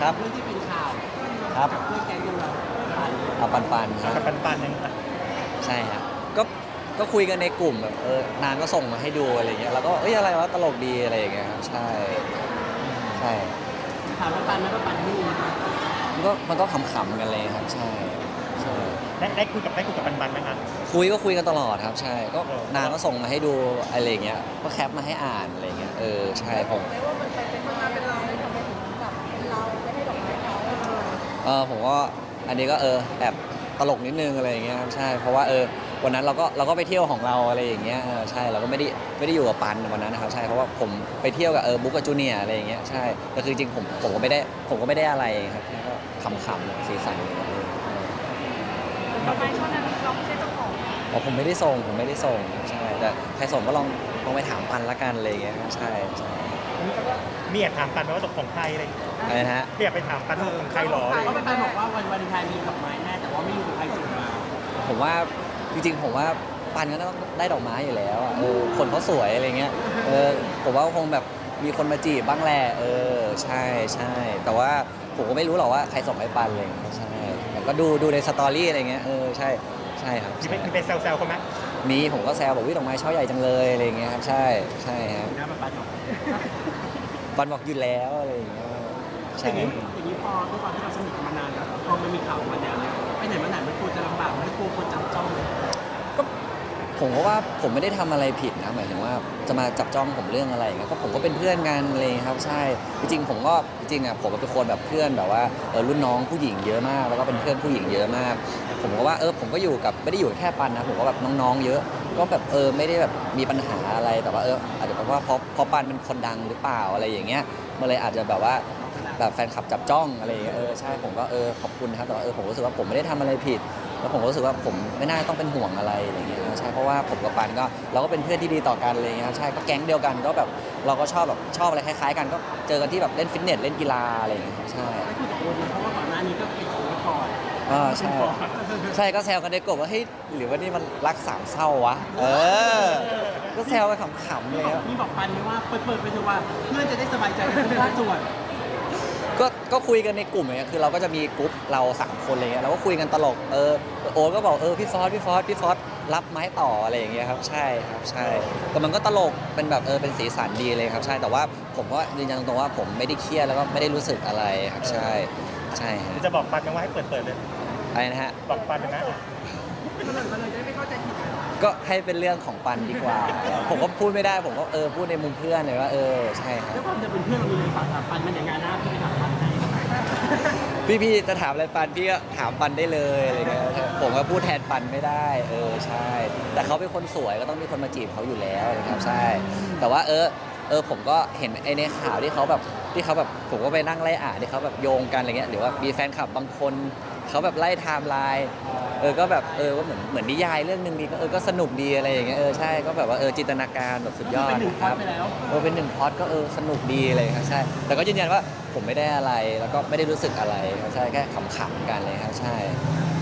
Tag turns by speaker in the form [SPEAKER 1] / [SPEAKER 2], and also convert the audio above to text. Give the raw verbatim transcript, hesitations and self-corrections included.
[SPEAKER 1] ครับ
[SPEAKER 2] เรื่องที่เป็นข่าว
[SPEAKER 1] ครับ
[SPEAKER 2] กับเพื่อนแก๊งยังเราปัน
[SPEAKER 1] เอาปันปันๆครับ
[SPEAKER 3] กับปันปันยังอ่ะ
[SPEAKER 1] ใช่ครับก็ก็คุยกันในกลุ่มแบบเออนางก็ส่งมาให้ดูอะไรเงี้ยแล้วก็เอ้ยอะไรวะตลกดีอะไรอย่างเงี้ยครับใช่ใช่
[SPEAKER 2] ถามว่าปันไหมว่าปันนี่
[SPEAKER 1] มันก็มันก็ขำๆกันเลยครับใช่ใช่
[SPEAKER 3] ได้ได้คุยกับได้คุยกับปันปันไหมครับ
[SPEAKER 1] คุยก็คุยกันตลอดครับใช่ก็
[SPEAKER 3] เออ
[SPEAKER 1] นางก็ส่งมาให้ดูอะไรเงี้ยก็แคปมาให้อ่านอะไรเงี้ยเออใช่ผม
[SPEAKER 4] ไม่ว่ามันไปเป็นมาเป็นเราเลยทำไมถึงแบบเป็นเราไม่ให้ดอกไม้เขา
[SPEAKER 1] เออผมก็อันนี้ก็เออแอบตลกนิดนึงอะไรอย่างเงี้ยครับใช่เพราะว่าเออวันนั้นเราก็เราก็ไปเที่ยวของเราอะไรอย่างเงี้ยเออใช่เราก็ไม่ได้ไม่ได้อยู่กับปันวันนั้นนะครับใช่เพราะว่าผมไปเที่ยวกับเออบุ๊กกับจูเนียร์อะไรอย่างเงี้ยใช่แต่คือจริงๆผมผมก็ไม่ได้ผมก็ไม่ได้อะไรครับแค่ก็ขำๆสีสันเออ
[SPEAKER 4] ดอกไม้ช่อนั้นเราไม่ใช่เจ้าของ
[SPEAKER 1] อ๋อผมไม่ได้ส่งผมไม่ได้ส่งใช่แต่ใครส่งก็ลองลองไปถามปันละกันอะไรอย่างเงี้ยใช่ใช่
[SPEAKER 3] มีอยากถามปันไหมว่าตกของใครอะไรอย่างเงี้ย
[SPEAKER 1] อะไรนะฮะ
[SPEAKER 3] มีอยากไปถามปันว่าตกของใครหรออะไรอย่าง
[SPEAKER 2] เพราะ
[SPEAKER 3] เงี้ย
[SPEAKER 2] ปันบอกว่าวันวาเลนไทน์มีดอกไม้แน่แต่ว่าไม่รู้ใครส่งมา
[SPEAKER 1] ผมว่าจริงๆผมว่าปันก็ต้องได้ดอกไม้อยู่แล้วอะเออคนเขาสวยอะไรเงี้ยเออผมว่าคงแบบมีคนมาจีบบ้างแหละเออใช่ใช่แต่ว่าผมก็ไม่รู้หรอกว่าใครส่งให้ปันอะไรเลยใช่แต่ก็ดูดูในสตอรี่อะไรเงี้ยเออใช่ใช่ครับ
[SPEAKER 3] มีไปมีไปแซวๆเขาไหม
[SPEAKER 1] มีผมก็แซวบอกวิดอกไม้ช่อใหญ่จังเลยอะไรเงี้ยครับใช่ใช่ครับ
[SPEAKER 2] นะปันบอก
[SPEAKER 1] ปันบอกอยู่แล้วอะไรอย่างเงี้ย
[SPEAKER 2] อ
[SPEAKER 1] ใช่
[SPEAKER 2] ย่างนี้อย่างนี้พอด้วยความที่เราสนิทกันมานานแล้วพอมันมีข่าวมาแนวเนี้ยไปไหนมาไหนมันกลัวจะลำบากไม่กลัวคนจับจ้องเลย
[SPEAKER 1] ก็ผมก็ว่าผมไม่ได้ทำอะไรผิดนะหมายถึงว่าจะมาจับจ้องผมเรื่องอะไรอย่างเงี้ยก็ผมก็เป็นเพื่อนกันอะไรอย่างเลยครับใช่จริงๆผมก็จริงๆอ่ะผมเป็นคนแบบเพื่อนแบบว่าเออรุ่นน้องผู้หญิงเยอะมาก แล้วก็เป็นเพื่อนผู้หญิงเยอะมาก ผมก็ว่าเออผมก็อยู่กับไม่ได้อยู่แค่ปันนะผมก็แบบน้องๆเยอะ ก็แบบเออไม่ได้แบบมีปัญหาอะไรแต่ว่าเอออาจจะเป็นว่าเพราะเพราะปันเป็นคนดังหรือเปล่าอะไรอย่างเงี้ยมันเลยอาจจะแบบว่าแบบแฟนคลับจับจ้องอะไรอย่างเงี้ยเออใช่ผมก็เออขอบคุณนะครับแต่ว่าเออผมรู้สึกว่าผมไม่ได้ทำอะไรผิด แล้วผมก็รู้สึกว่าผมไม่น่าต้องเป็นห่วงอะไรอะไรอย่างเงี้ยใช่เพราะว่าผมกับปันก็เราก็เป็นเพื่อนที่ดีต่อกันอะไรอย่างเงี้ยใช่ก็แก๊งเดียวกันก็แบบเราก็ชอบแบบชอบอะไรคล้ายๆกันก็เจอกันที่แบบเล่นฟิตเนสเล่นกีฬาอะไรอย่างเงี้ยใช่
[SPEAKER 2] ไม่คุยกับโอนนะเพราะว่าก่อนหน้านี้ก็เป็นโอนก่อน
[SPEAKER 1] อ่าใช่ใช่ก็แซวกันในกลุ่มว่าเฮ้ยหรือว่านี่มันรักสามเศร้าวะเออก็แซวกันขำๆเลยครับ
[SPEAKER 2] นี่บอกปันไหมว่าเปิดเปิดไปเถอะว่าเพื่อนจะได้สบายใจกันทุกภาคส่วน
[SPEAKER 1] ก็ก็คุยกันในกลุ่มอย่างเงี้ยคือเราก็จะมีกลุ่มเราสามคนอะไรเงี้ยเราก็คุยกันตลกเออโอ๊ตก็บอกเออพี่ฟอสพี่ฟอสพี่ฟอสรับไม้ต่ออะไรอย่างเงี้ยครับใช่ครับใช่แต่มันก็ตลกเป็นแบบเออเป็นสีสันดีเลยครับใช่แต่ว่าผมก็ยืนยันตรงๆว่าผมไม่ได้เครียดแล้วก็ไม่ได้รู้สึกอะไรครับใช่ใช่ฮะ
[SPEAKER 3] จะบอกปันไหมว่าให้เปิดเปิดเลย
[SPEAKER 1] อะไรนะฮะ
[SPEAKER 3] บอกปันเลยนะ
[SPEAKER 2] มันเลยจะไม่เข้าใจผิดกัน
[SPEAKER 1] ก็ให้เป็นเรื่องของปันดีกว่า ผมก็พูดไม่ได้ผมก็เออพูดในมุมเพื่อนเลยว่าเออใช่ครับ
[SPEAKER 2] แล้วความจะเป็นเพื่อนเรามีเลยฝากถามปันมันอย่างงานหน้าพี่ไปถามปันให้
[SPEAKER 1] พี่พี่จะถามอะไรปันพี่ก็ถามปันได้เลยอะไรเงี้ยผมก็พูดแทนปันไม่ได้เออใช่ แต่เขาเป็นคนสวยก็ต้องมีคนมาจีบเขาอยู่แล้วนะครับใช่ แต่ว่าเออเออผมก็เห็นไอ้ในข่าวที่เขาแบบที่เขาแบบผมก็ไปนั่งไล่อ่านที่เขาแบบโยงกันอะไรเงี้ยหรือว่ามีแฟนคลับบางคนเขาแบบไล่ไทม์ไลน์เออก็แบบเออว่าเหมือนเหมือนนิยายเรื่องหนึ่งดีก็เออก็สนุกดีอะไรอย่างเงี้ยเออใช่ก็แบบว่าเออจินตนาการแบบสุดยอด
[SPEAKER 2] เป็นหนึ่ง
[SPEAKER 1] นะ
[SPEAKER 2] ค
[SPEAKER 1] ค
[SPEAKER 2] อ
[SPEAKER 1] รั
[SPEAKER 2] ร์
[SPEAKER 1] บ
[SPEAKER 2] สไปแล้ว
[SPEAKER 1] เออเป็นหนึ่งพอดก็เออสนุกดีเลยครับใช่แต่ก็ยืนยันว่าผมไม่ได้อะไรแล้วก็ไม่ได้รู้สึกอะไรครับใช่แค่ขำๆกันเลยครับใช่